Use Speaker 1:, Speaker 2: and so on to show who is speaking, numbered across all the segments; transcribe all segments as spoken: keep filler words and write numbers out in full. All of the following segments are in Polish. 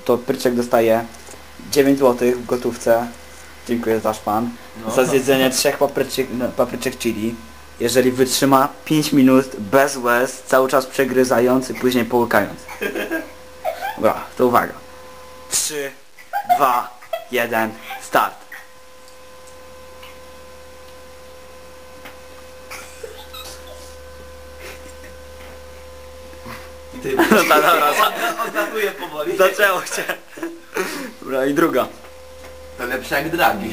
Speaker 1: to Pryczek dostaje dziewięć złotych w gotówce. Dziękuję za szpan.
Speaker 2: No.
Speaker 1: Za zjedzenie trzech papryczek, no, papryczek chili. Jeżeli wytrzyma pięć minut bez łez, cały czas przegryzając i później połykając. Dobra, to uwaga. trzy, dwa, jeden, start.
Speaker 2: Ty,
Speaker 1: No ta, dobra, za,
Speaker 2: odlatuje powoli.
Speaker 1: zaczęło się. Dobra, i druga.
Speaker 2: To lepsze jak dragi.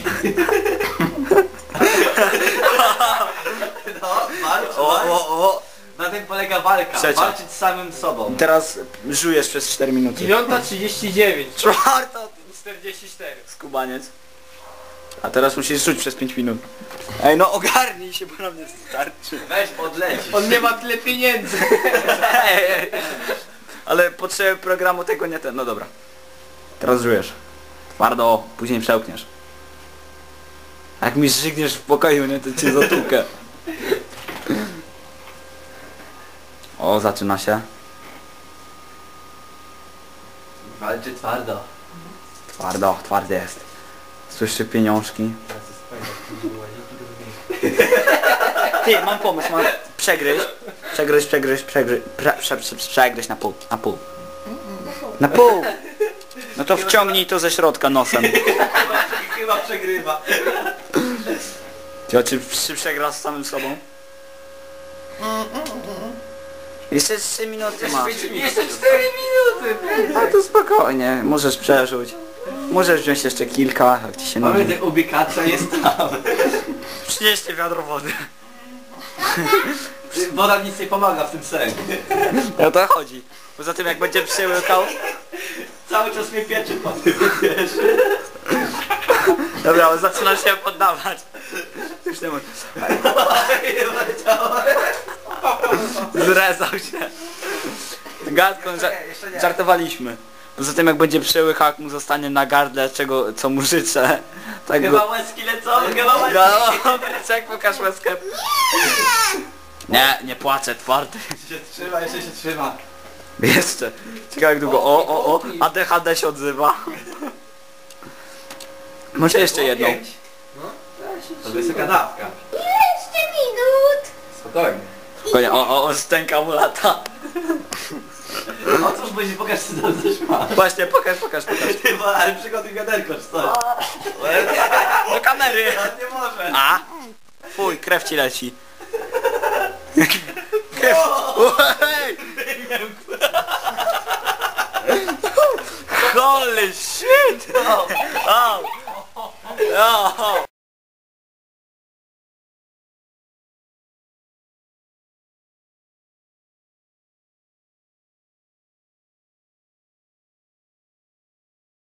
Speaker 2: No, walcz,
Speaker 1: O,
Speaker 2: walcz.
Speaker 1: o, o.
Speaker 2: Na tym polega walka.
Speaker 1: Trzecia.
Speaker 2: Walczyć z samym sobą.
Speaker 1: Teraz żujesz przez cztery minuty.
Speaker 3: dziewiąta trzydzieści dziewięć.
Speaker 1: Czwarta.
Speaker 3: czterdzieści cztery.
Speaker 1: Skubaniec. A teraz musisz rzuć przez pięć minut. Ej, no ogarnij się, bo na mnie starczy.
Speaker 2: Weź odlecisz.
Speaker 3: On nie ma tyle pieniędzy.
Speaker 1: Ej, ej. Ale potrzeby programu tego nie ten. No dobra. Teraz żujesz. Twardo, później przełkniesz. A jak mi żygniesz w pokoju, nie, to cię zatłukę. O, zaczyna się.
Speaker 2: Walczy twardo.
Speaker 1: Twardo, twardy jest. Słyszy pieniążki. Ty, mam pomysł, mam... Przegryź. Przegryź, przegryź, przegryź. Prze, prze, prze, przegryź na pół. Na pół. Na pół! No to wciągnij to ze środka nosem.
Speaker 2: Chyba przegrywa.
Speaker 1: Ty, czy, czy przegrasz z samym sobą? Jeszcze trzy minuty masz.
Speaker 2: Jeszcze cztery minuty.
Speaker 1: A to spokojnie, możesz przerzuć. Możesz wziąć jeszcze kilka, jak ci się nudzi.
Speaker 2: Pamiętaj, ubikacza jest tam.
Speaker 1: Przynieście wiadro wody.
Speaker 2: Woda nic nie pomaga w tym sensie.
Speaker 1: O to chodzi. Poza tym jak będzie przełykał...
Speaker 2: Cały czas mnie pieczy po tym, wiesz.
Speaker 1: Dobra, ale zaczyna się poddawać. Już nie mogę. Zrezał się. Gadką ża żartowaliśmy. Poza tym jak będzie przełykał, jak mu zostanie na gardle, czego, co mu życzę. Tak
Speaker 2: Chyba
Speaker 1: go...
Speaker 2: łezki lecą, chyba łezki.
Speaker 1: No, Pryczek, pokaż łezkę. Nie, nie płaczę, twardy.
Speaker 2: Się trzyma, jeszcze się trzyma.
Speaker 1: Jeszcze. Ciekawe jak długo. O, o, o. A D H D się odzywa. Może jeszcze jedną.
Speaker 2: Pięć. To wysoka dawka.
Speaker 4: Jeszcze minut.
Speaker 2: Spokojnie.
Speaker 1: Spokojnie, o, o, o, stęka mu lata.
Speaker 2: O cóż, bo się pokaż, co tam coś ma.
Speaker 1: Właśnie, pokaż, pokaż, pokaż.
Speaker 2: Ty, bo, ale przygotuj wiaderko, czy coś.
Speaker 1: Do kamery.
Speaker 2: Nie może.
Speaker 1: A? Fuj, krew ci leci. Krew. Ej! Holy shit! Oh. Oh.